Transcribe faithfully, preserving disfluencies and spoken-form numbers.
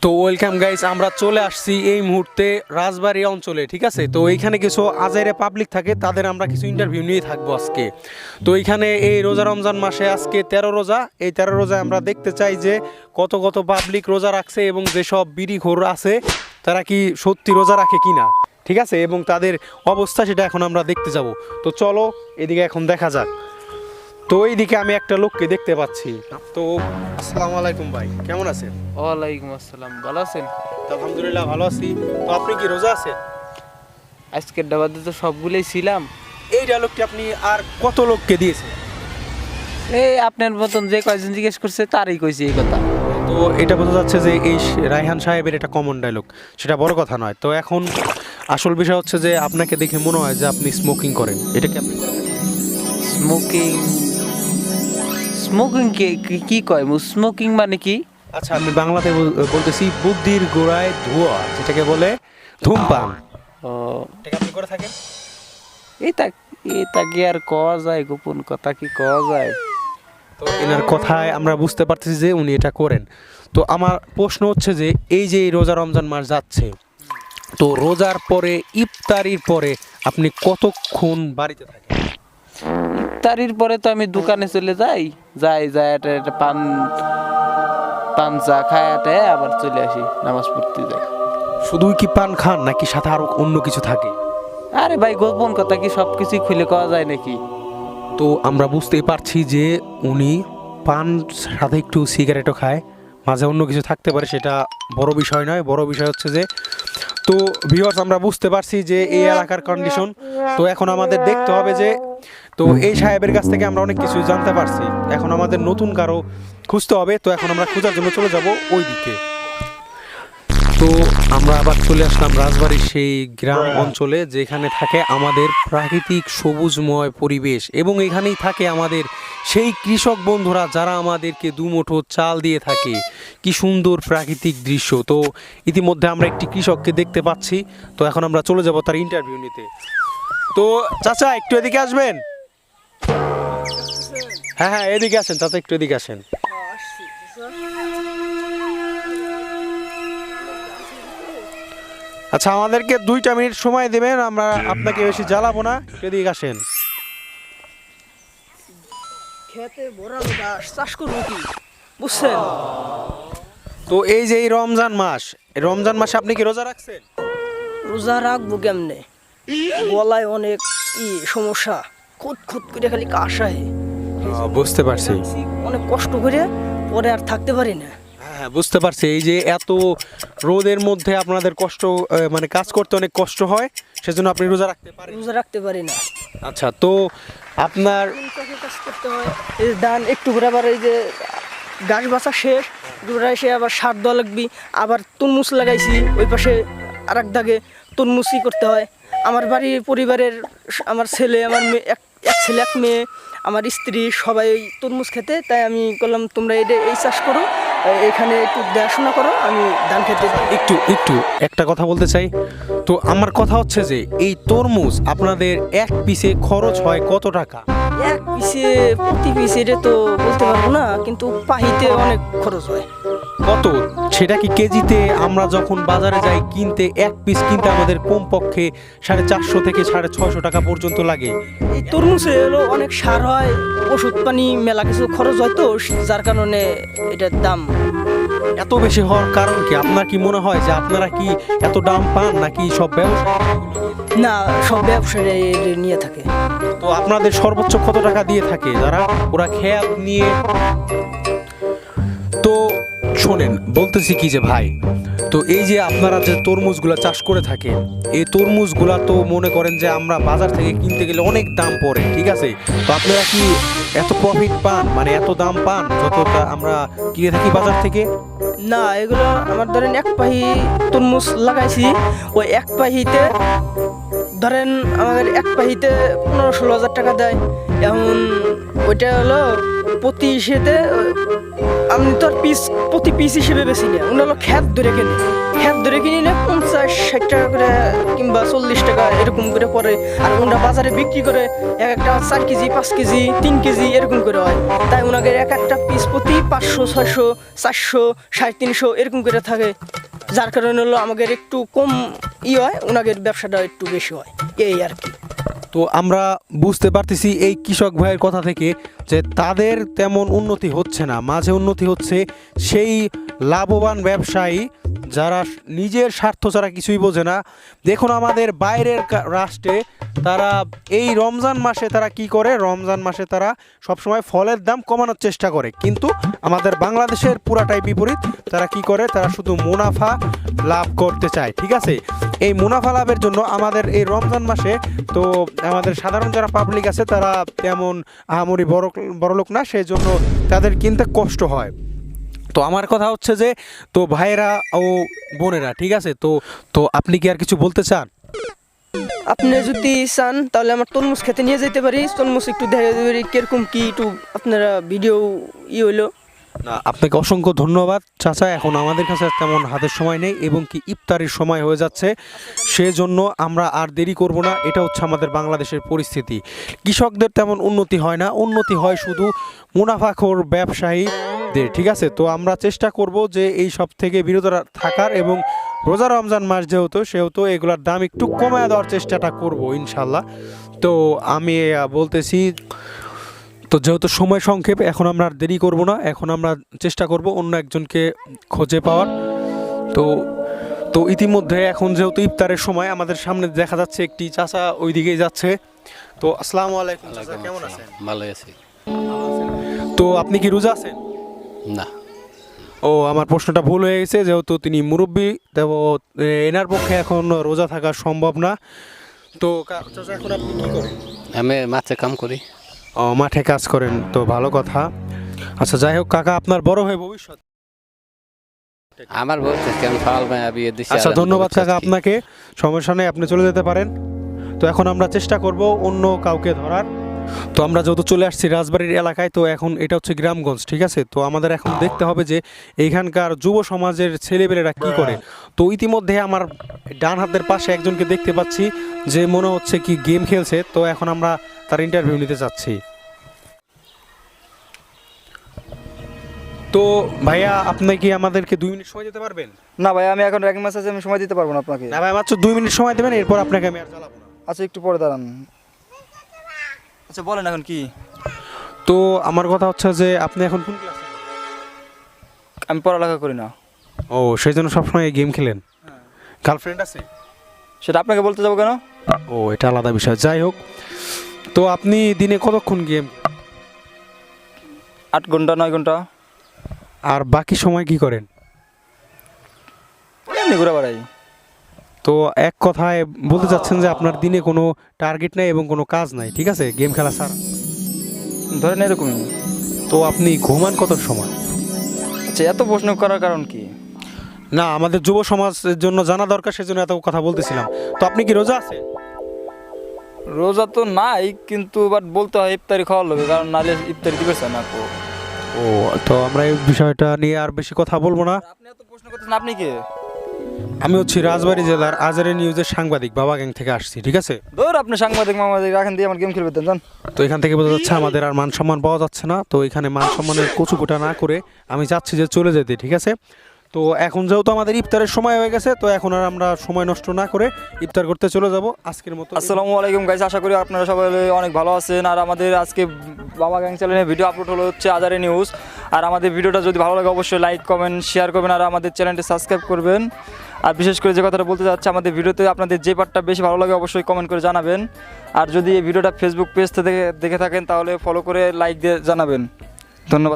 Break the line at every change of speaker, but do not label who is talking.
তো welcome guys, আমরা চলে আসছি এই মুহূর্তে রাজবাড়ী অঞ্চলে। ঠিক আছে, তো এইখানে কিছু আজাইরে পাবলিক থাকে, তাদের আমরা কিছু ইন্টারভিউ নিয়ে থাকবো আজকে। তো এইখানে এই রোজা রমজান মাসে আজকে তেরো রোজা, এই তেরো রোজা আমরা দেখতে চাই যে কত কত পাবলিক রোজা রাখছে এবং যেসব বিড়িখোর আছে তারা কি সত্যি রোজা রাখে কিনা। ঠিক আছে, এবং তাদের অবস্থা সেটা এখন আমরা দেখতে যাব। তো চলো এদিকে এখন দেখা যাক। তো এইদিকে আমি একটা লোককে দেখতে পাচ্ছি। তো আসসালামু আলাইকুম ভাই, কেমন আছেন?
ওয়ালাইকুম আসসালাম, ভালো আছেন?
তো আলহামদুলিল্লাহ ভালো আছি। তো আপনি কি রোজা আছেন?
আজকের ডাবাতে তো সবগুলোই ছিলাম।
এই ডায়লগটি আপনি আর কত লোককে দিয়েছেন?
এই আপনার মতন যে কয়জন জিজ্ঞেস করছে তারই কইছি এই কথা।
তো এটা বোঝা যাচ্ছে যে এই রায়হান সাহেবের এটা কমন ডায়লগ, সেটা বড় কথা নয়। তো এখন আসল বিষয় হচ্ছে যে আপনাকে দেখে মনে হয় যে আপনি স্মোকিং করেন, এটা কি আপনি করেন?
স্মোকিং স্মোকিং কে কি- কি কয় স্মোকিং মানে কি?
আচ্ছা, আমি বাংলাতে বল- বলতেছি বুদ্ধির গোড়ায় ধোঁয়া, যেটাকে বলে ধূমপান।
ও
এটা কি আপনি করে থাকেন?
এটা এটা কি আর কওয়া যায়? গোপন কথা কি কওয়া যায়?
তো এনার কথায় আমরা বুঝতে পারতেছি যে উনি এটা করেন। তো আমার প্রশ্ন হচ্ছে যে এই যে এই রোজা রমজান মাস যাচ্ছে, তো রোজার পরে ইফতারির পরে আপনি কতক্ষণ বাড়িতে থাকেন?
ইফতারির পরে তো আমি দোকানে চলে যাই, যাই যাই একটা একটা পান পান চা খায় আটায় আবার চলে আসি, নামাজ পড়তে যাই।
শুধুই কি পান খান নাকি সাথে আরো অন্য কিছু থাকে?
আরে ভাই, গোপন কথা কি সব কিছুই খুলে কওয়া যায় নাকি?
তো আমরা বুঝতেই পারছি যে উনি পান সাথে একটু সিগারেটও খায়, মাঝে অন্য কিছু থাকতে পারে, সেটা বড় বিষয় নয়। বড় বিষয় হচ্ছে যে, তো ভিউয়ার্স আমরা বুঝতে পারছি যে এই এলাকার কন্ডিশন। তো এখন আমাদের দেখতে হবে যে, তো এই সাহেবের কাছ থেকে আমরা অনেক কিছু জানতে পারছি, এখন আমাদের নতুন কারো খুঁজতে হবে। তো এখন আমরা খোঁজার জন্য চলে যাব ওই দিকে। তো আমরা আবার চলে আসলাম রাজবাড়ির সেই গ্রাম অঞ্চলে, যেখানে থাকে আমাদের প্রাকৃতিক সবুজময় পরিবেশ এবং এখানেই থাকে আমাদের সেই কৃষক বন্ধুরা যারা আমাদেরকে দুমুঠো চাল দিয়ে থাকে। কি সুন্দর প্রাকৃতিক দৃশ্য। তো ইতিমধ্যে আমরা একটি কৃষককে দেখতে পাচ্ছি। তো এখন আমরা চলে যাব তার ইন্টারভিউ নিতে। তো চাচা একটু এদিকে আসবেন। হ্যাঁ হ্যাঁ এদিকে আসেন চাচা, একটু এদিকে আসেন। আচ্ছা, আমাদেরকে দুইটা মিনিট সময় দেবেন, আমরা আপনাকে বেশি জ্বালাবো না, এদিকে আসেন।
খেতে ভরা লোটা চাষ করবো কি বুঝছেন?
তো এই যে এই রমজান মাস, এই রমজান মাসে আপনি কি রোজা রাখছেন?
রোজা রাখবো কেমনে? গলায় অনেক ই সমস্যা, খুদ খুদ করে খালি কাশ আহে।
বুঝতে পারছি।
অনেক কষ্ট করে পরে আর থাকতে পারি না।
হ্যাঁ বুঝতে পারছি, এই যে এত রোদের মধ্যে আপনাদের কষ্ট, আহ, মানে কাজ করতে অনেক কষ্ট হয়, সেজন্য আপনি রোজা রাখতে পারেন।
রোজা রাখতে পারি না।
আচ্ছা, তো আপনার
তিন চাষের কাজ করতে হয়, এই ধান একটু করে আবার এই যে গাছ বাছা শেষ, দুরা এসে আবার সার দেওয়া লাগবি, আবার তরমুজ লাগাইছি ওই পাশে আর এক দাগে তরমুজই করতে হয়। আমার বাড়ির পরিবারের স- আমার ছেলে, আমার মেয়ে, এক এক ছেলে এক মেয়ে, আমার স্ত্রী সবাই তরমুজ খেতে, তাই আমি বললাম তোমরা এটা এই চাষ করো, এ- এখানে একটু দেখাশোনা করো, আমি ধান খেতে যাই।
একটু একটু একটা কথা বলতে চাই। তো আমার কথা হচ্ছে যে এই তরমুজ আপনাদের এক পিসে খরচ হয় কত টাকা?
এক পিসে প্রতি পিসে এটা তো বলতে পারবো না, কিন্তু পাহিতে অনেক খরচ হয়।
কত? সেটা কি কেজিতে? আমরা যখন বাজারে যাই কিনতে, এক পিস কিনতে আমাদের কমপক্ষে সাড়ে চারশো থেকে সাড়ে ছয়শো টাকা পর্যন্ত লাগে।
এই তরমুজে হলো অনেক সার হয়, ওষুধ পানি মেলা কিছু খরচ হয়, তো যার কারণে এটার দাম।
এত বেশি হওয়ার কারণ কি? আপনার কি মনে হয় যে আপনারা কি এত দাম পান নাকি সব ব্যবসা?
না, সব ব্যবসায়ী এটা নিয়ে থাকে।
তো আপনাদের সর্বোচ্চ কত টাকা দিয়ে থাকে যারা ওরা খেয়াল নিয়ে? তো শোনেন, বলতেছি কি যে ভাই, তো এই যে আপনারা যে তরমুজগুলা চাষ করে থাকেন, এই তরমুজগুলা তো মনে করেন যে আমরা বাজার থেকে কিনতে গেলে অনেক দাম পড়ে, ঠিক আছে? তো আপনারা কি এত প্রফিট পান, মানে এত দাম পান যতটা আমরা কিনে থাকি বাজার থেকে?
না, এগুলো আমার ধরেন এক পাহি তরমুজ লাগাইছি, ওই এক পাহিতে ধরেন আমাদের এক পাহিতে পনেরো ষোলো হাজার টাকা দেয়। এখন ওইটা হলো প্রতি ইসেতে আমি তো আর পিস প্রতি পিস হিসেবে বেশি নেয়, ওনারা হলো খ্যাত ধরে কিনে, খ্যাত ধরে কিনে নিলে পঞ্চাশ ষাট টাকা করে কিংবা চল্লিশ টাকা এরকম করে পরে। আর ওনারা বাজারে বিক্রি করে এক একটা চার কেজি পাঁচ কেজি তিন কেজি এরকম করে হয়। তাই ওনাদের এক একটা পিস প্রতি পাঁচশো ছয়শো চারশো সাড়ে তিনশো এরকম করে থাকে, যার কারণে হলো আমাদের একটু কম ই হয়, ওনাদের ব্যবসাটা একটু বেশি হয়, এই আর কি।
তো আমরা বুঝতে পারতেছি এই কৃষক ভাইয়ের কথা থেকে যে তাদের তেমন উন্নতি হচ্ছে না, মাঝে উন্নতি হচ্ছে সেই লাভবান ব্যবসায়ী যারা নিজের স্বার্থ ছাড়া কিছুই বোঝে না। দেখুন আমাদের বাইরের কা- রাষ্ট্রে তারা এই রমজান মাসে তারা কি করে, রমজান মাসে তারা সবসময় ফলের দাম কমানোর চেষ্টা করে, কিন্তু আমাদের বাংলাদেশের পুরাটাই বিপরীত। তারা কি করে, তারা শুধু মুনাফা লাভ করতে চায়, ঠিক আছে। এই মুনাফা লাভের জন্য আমাদের এই রমজান মাসে তো আমাদের সাধারণ যারা পাবলিক আছে তারা তেমন আহামরি বড় বড়লোক না, সেই জন্য তাদের কিনতে কষ্ট হয়। তো আমার কথা হচ্ছে যে তো ভাইয়েরা ও বোনেরা, ঠিক আছে, তো তো আপনি কি আর কিছু বলতে চান?
আপনি যদি চান তাহলে আমার তরমুজ খেতে নিয়ে যেতে পারি, তরমুজ একটু দেখা যেতে পারি কিরকম কি একটু আপনারা ভিডিও ই হইলো।
না, আপনাকে অসংখ্য ধন্যবাদ চাচা। এখন আমাদের কাছে তেমন হাতের সময় নেই এবং কি ইফতারির সময় হয়ে যাচ্ছে, সেজন্য আমরা আর দেরি করব না। এটা হচ্ছে আমাদের বাংলাদেশের পরিস্থিতি। কৃষকদের তেমন উন্নতি হয় না, উন্নতি হয় শুধু মুনাফাখোর ব্যবসায়ীদের, ঠিক আছে। তো আমরা চেষ্টা করব যে এই সব থেকে বিরত রা- থাকার, এবং রোজা রমজান মাস যেহেতু সেহেতু এগুলোর দাম একটু কমায় দেওয়ার চেষ্টাটা করব ইনশাল্লাহ। তো আমি আহ, বলতেছি তো যেহেতু সময় সংক্ষেপ, এখন আমরা আর দেরি করব না, এখন আমরা চেষ্টা করব অন্য একজনকে খুঁজে পাওয়ার। তো তো ইতিমধ্যে এখন যেহেতু ইফতারের সময়, আমাদের সামনে দেখা যাচ্ছে একটি চাচা ওই দিকেই যাচ্ছে। তো আসসালামু আলাইকুম চাচা, কেমন আছেন?
ভালো আছি।
তো আপনি কি রোজা আছেন?
না,
ও, আমার প্রশ্নটা ভুল হয়ে গেছে, যেহেতু তিনি মুরব্বী, তো এ, এনার পক্ষে এখন রোজা থাকা সম্ভব না। তো কা- চাচা এখন আপনি কি করেন?
আমি মাছে কাম করি।
ও, মাঠে কাজ করেন, তো ভালো কথা। আচ্ছা, যাই হোক কাকা, আপনার বড় হয়ে ভবিষ্যৎ।
আমার বলতে আমি ফাল মায়া বিয়ে দিছি।
আচ্ছা,
আর আমি
ধন্যবাদ
ভবিষ্যৎ
কাকা
কি?
আপনাকে, সমস্যা নেই, আপনি চলে যেতে পারেন। তো এখন আমরা চেষ্টা করব অন্য কাউকে ধরার। তো আমরা যেহেতু চলে আসছি রাজবাড়ির এলাকায়, তো এখন এটা হচ্ছে গ্রামগঞ্জ, ঠিক আছে। তো আমাদের এখন দেখতে হবে যে এইখানকার যুব সমাজের ছেলেপেলেরা কি করে। তো ইতিমধ্যে আমার ডান হাতের পাশে একজনকে দেখতে পাচ্ছি যে মনে হচ্ছে কি গেম খেলছে। তো এখন আমরা তার ইন্টারভিউ নিতে চাচ্ছি। তো ভাইয়া, আপনি কি আমাদেরকে দুই মিনিট সময় দিতে পারবেন?
না ভাই, আমি এখন র্যাঙ্ক ম্যাচ আছে, আমি সময় দিতে পারবো না আপনাকে।
না ভাই, মাত্র দুই মিনিট সময় দেবেন, এরপর আপনাকে আমি আর জ্বালাবো না।
আচ্ছা, একটু পরে দাঁড়ান। আচ্ছা বলেন এখন কি।
তো আমার কথা হচ্ছে যে আপনি এখন কোন ক্লাসে?
আমি পড়ালেখা করি না।
ও, সেই জন্য সবসময় গেম খেলেন? গার্লফ্রেন্ড আছে?
সেটা আপনাকে বলতে যাবো কেন?
ও, এটা আলাদা বিষয়। যাই হোক, তো আপনি দিনে কতক্ষণ গেম,
আট ঘন্টা নয় ঘন্টা
আর বাকি সময় কি করেন?
এমনি ঘুরে বেড়াই।
তো এক কথায় বলতে চাচ্ছেন যে আপনার দিনে কোনো টার্গেট নাই এবং কোনো কাজ নাই, ঠিক আছে, গেম খেলা ছাড়া।
ধরেন এরকমই।
তো আপনি ঘুমান কত সময়?
আচ্ছা, এত প্রশ্ন করার কারণ কি?
না, আমাদের যুব সমাজের জন্য জানা দরকার, সেজন্য এত কথা বলতেছিলাম। তো আপনি কি রোজা আছেন?
রোজা তো নাই, কিন্তু বাট বলতে হয় ইফতারি খাওয়া লাগবে, কারণ নাহলে ইফতারি দিবে না তো।
ও, তো আমরা এই বিষয়টা নিয়ে আর বেশি কথা বলবো না।
আপনি এত প্রশ্ন করতেছেন, আপনি কে?
আমি হচ্ছি রাজবাড়ী জেলার আজারে নিউজের সাংবাদিক, বাবা গ্যাং থেকে আসছি, ঠিক আছে।
ধর আপনি সাংবাদিক মামাদিক রাখেন দিয়ে আমার গেম খেলবে দেন জান।
তো এখান থেকে বোঝা যাচ্ছে আমাদের আর মান সম্মান পাওয়া যাচ্ছে না। তো এখানে মান সম্মানের কচুকুটা না করে আমি চাচ্ছি যে চলে যেতে, ঠিক আছে। তো এখন যেহেতু আমাদের ইফতারের সময় হয়ে গেছে, তো এখন আর আমরা সময় নষ্ট না করে ইফতার করতে চলে যাব আজকের মতো।
আসসালামু আলাইকুম গাইস, আশা করি আপনারা সবাই অনেক ভালো আছেন। আর আমাদের আজকে বাবা গ্যাং চ্যানেলে ভিডিও আপলোড হলো হচ্ছে আজারে নিউজ। আর আমাদের ভিডিওটা যদি ভালো লাগে অবশ্যই লাইক কমেন্ট শেয়ার করবেন, আর আমাদের চ্যানেলটি সাবস্ক্রাইব করবেন। আর বিশেষ করে যে কথাটা বলতে চাচ্ছি, আমাদের ভিডিওতে আপনাদের যে পার্টটা বেশি ভালো লাগে অবশ্যই কমেন্ট করে জানাবেন। আর যদি এই ভিডিওটা ফেসবুক পেজ থেকে দেখে থাকেন তাহলে ফলো করে লাইক দিয়ে জানাবেন। ধন্যবাদ।